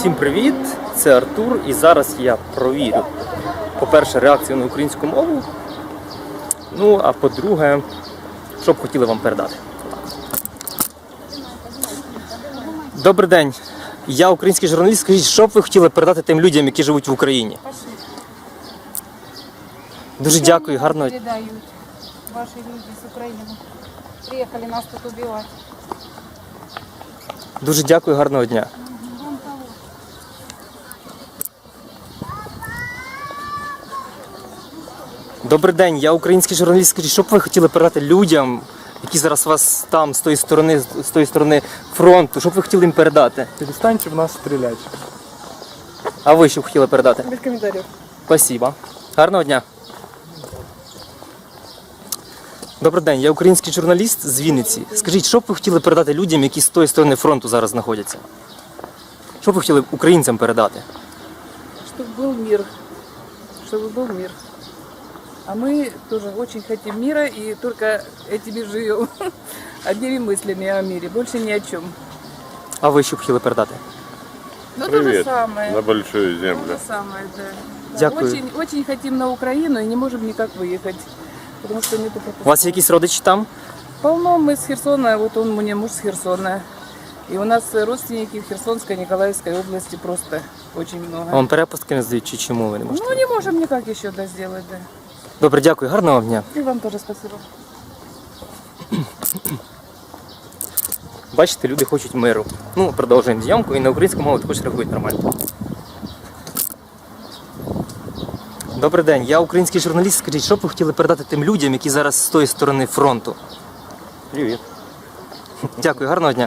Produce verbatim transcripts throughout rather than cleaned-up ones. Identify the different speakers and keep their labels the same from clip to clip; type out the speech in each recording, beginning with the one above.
Speaker 1: Всім привіт! Це Артур, і зараз я провірю, по-перше, реакцію на українську мову, ну, а по-друге, що б хотіли вам передати. Добрий день, я український журналіст. Скажіть, що б ви хотіли передати тим людям, які живуть в Україні? Дуже дякую, гарного дня.
Speaker 2: Передають ваші люди з України. Приїхали нас тут убивати.
Speaker 1: Дуже дякую, гарного дня. Добрий день, я український журналіст. Скажіть, що б ви хотіли передати людям, які зараз вас там, з тої сторони, з тої сторони фронту, що б ви хотіли їм передати?
Speaker 3: Перестаньте в нас стріляти.
Speaker 1: А ви що б хотіли передати?
Speaker 2: Без коментарів.
Speaker 1: Спасибо. Гарного дня. Добрий день, я український журналіст з Вінниці. Скажіть, що б ви хотіли передати людям, які з тої сторони фронту зараз знаходяться? Що б ви хотіли українцям передати?
Speaker 2: Щоб був мир. Щоб був мир. А мы тоже очень хотим мира и только этими живем. Одними мыслями о мире, больше ни о чем.
Speaker 1: А ви що б хотіли передати?
Speaker 2: Ну, то же
Speaker 4: Привет
Speaker 2: самое.
Speaker 4: на большую
Speaker 2: То
Speaker 4: землю.
Speaker 2: же самое, да. Да,
Speaker 1: Дякую.
Speaker 2: Очень, очень хотим на Украину и не можем никак выехать. Потому что нету пропусков.
Speaker 1: У вас є якісь родичі там?
Speaker 2: Полно, мы с Херсона, вот он, у меня муж с Херсона. И у нас родственники в Херсонской, Николаевской области просто очень много.
Speaker 1: Вам перепустки не здають, чи чому ви не можете?
Speaker 2: Ну, не можем никак еще да, сделать, да.
Speaker 1: Добре, дякую, гарного дня.
Speaker 2: И вам тоже спасибо.
Speaker 1: Бачите, люди хочуть миру. Ну, продовжуємо зйомку і на українську мову також реагують нормально. Добрий день, я український журналіст. Скажіть, що б ви хотіли передати тим людям, які зараз з тої сторони фронту?
Speaker 3: Привіт.
Speaker 1: Дякую, гарного дня.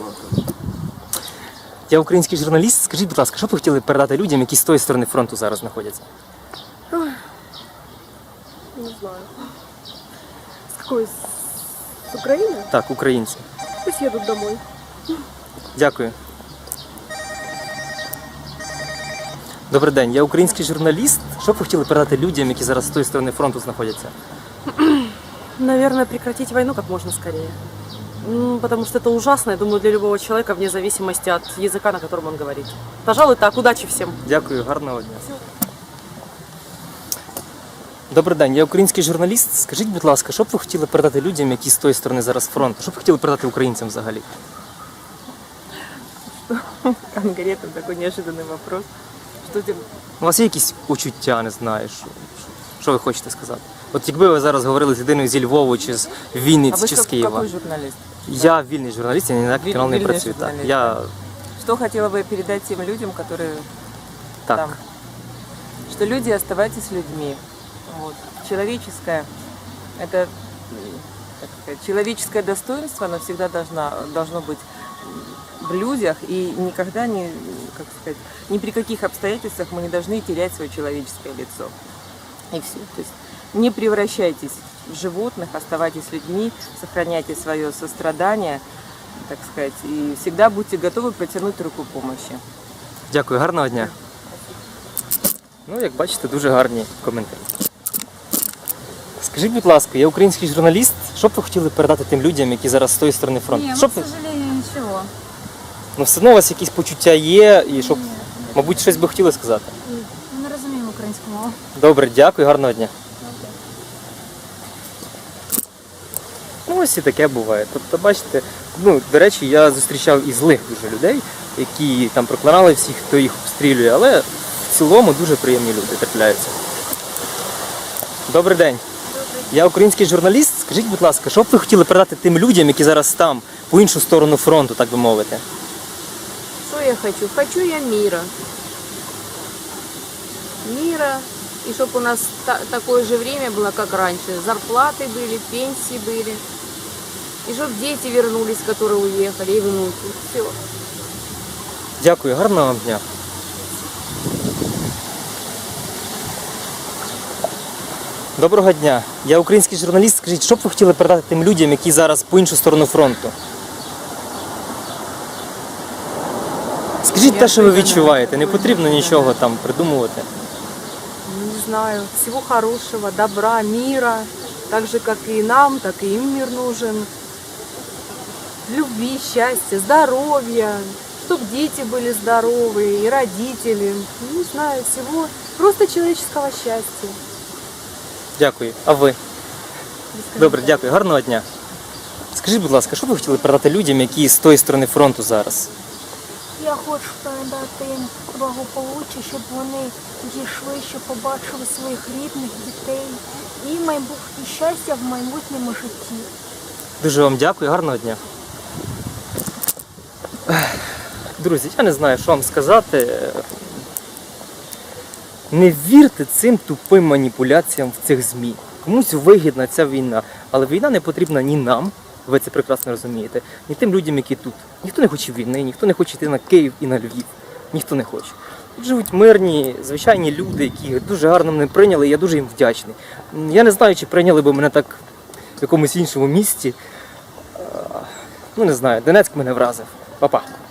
Speaker 1: Я український журналіст. Скажіть, будь ласка, що б ви хотіли передати людям, які з тої сторони фронту зараз знаходяться?
Speaker 5: Не знаю. С какой? С Украины?
Speaker 1: Так, українці.
Speaker 5: Пусть едут домой.
Speaker 1: Дякую. Добрий день, я український журналіст. Що б ви хотіли передати людям, які зараз з тої сторони фронту знаходяться?
Speaker 5: Наверное, прекратить войну как можно скорее. М, Потому что это ужасно, я думаю, для любого человека, вне зависимости от языка, на котором он говорит. Пожалуй, так. Удачи всем.
Speaker 1: Дякую, гарного дня. Добрий день, я український журналіст. Скажіть, будь ласка, що б ви хотіли передати людям, які з тої сторони зараз фронту? Що б ви хотіли передати українцям взагалі?
Speaker 5: Конкретно такой неожиданный вопрос. Что тебе...
Speaker 1: У вас є якісь почуття, не знаю, що, що ви хочете сказати? От якби ви зараз говорили з людиною зі Львова, чи з Вінниці, чи з Києва.
Speaker 6: Какой журналист?
Speaker 1: Я вільний журналіст, я ні на який
Speaker 6: Віль-
Speaker 1: канал не
Speaker 6: вільний
Speaker 1: працюю. Так.
Speaker 6: журналіст,
Speaker 1: Я...
Speaker 6: Что хотела бы передать тем людям, которые
Speaker 1: Так.
Speaker 6: там? Что люди, оставайтесь людьми. Вот. Человеческое, это, м, как сказать, человеческое достоинство, оно всегда должна, должно быть в людях, и никогда не, как сказать, ни при каких обстоятельствах мы не должны терять свое человеческое лицо. И все. То есть не превращайтесь в животных, оставайтесь людьми, сохраняйте свое сострадание, так сказать, и всегда будьте готовы протянуть руку помощи.
Speaker 1: Дякую, гарного дня. Ну, як бачите, дуже гарні коментарі. Скажіть, будь ласка, я український журналіст. Що б ви хотіли передати тим людям, які зараз з тої сторони фронту?
Speaker 2: Не,
Speaker 1: Що
Speaker 2: ну,
Speaker 1: б
Speaker 2: к
Speaker 1: ви-
Speaker 2: сожалению, ничего.
Speaker 1: Ну, все одно у вас якісь почуття є, і щоб, мабуть, щось би хотіли сказати.
Speaker 2: Ми не розуміємо українську мову.
Speaker 1: Добре, дякую, гарного дня. Ну, ось і таке буває. Тобто, бачите, ну, до речі, я зустрічав і злих дуже людей, які там проклинали всіх, хто їх обстрілює, але в цілому дуже приємні люди трапляються. Добрий день. Я український журналіст. Скажіть, будь ласка, що б ви хотіли передати тим людям, які зараз там, по іншу сторону фронту, так би мовити?
Speaker 7: Что я хочу? Хочу я мира. Мира. И чтобы у нас та- такое же время было, как раньше. Зарплаты были, пенсии были. И чтобы дети вернулись, которые уехали, и внуки. Все.
Speaker 1: Дякую, гарного вам дня. Доброго дня. Я український журналіст. Скажіть, що б ви хотіли передати тим людям, які зараз по іншу сторону фронту? Скажіть те, що ви відчуваєте. Не потрібно нічого там придумувати.
Speaker 7: Не знаю. Всего хорошего, добра, мира. Так же, как и нам, так и им мир нужен. Любви, счастья, здоровья.
Speaker 4: чтобы дети были здоровые, и родители. Не знаю, всего просто человеческого счастья.
Speaker 1: Дякую. А ви? Добре, дякую. Гарного дня. Скажіть, будь ласка, що б ви хотіли передати людям, які з тої сторони фронту зараз?
Speaker 8: Я хочу передати їм благополуччя, щоб вони дійшли, щоб побачили своїх рідних, дітей і майбутнє щастя в майбутньому житті.
Speaker 1: Дуже вам дякую, гарного дня. Друзі, я не знаю, що вам сказати. Не вірте цим тупим маніпуляціям в цих ЗМІ. Комусь вигідна ця війна, але війна не потрібна ні нам, ви це прекрасно розумієте, ні тим людям, які тут. Ніхто не хоче війни, ніхто не хоче йти на Київ і на Львів. Ніхто не хоче. Тут живуть мирні, звичайні люди, які дуже гарно мене прийняли, і я дуже їм вдячний. Я не знаю, чи прийняли б мене так в якомусь іншому місті. Ну, не знаю, Донецьк мене вразив. Па-па.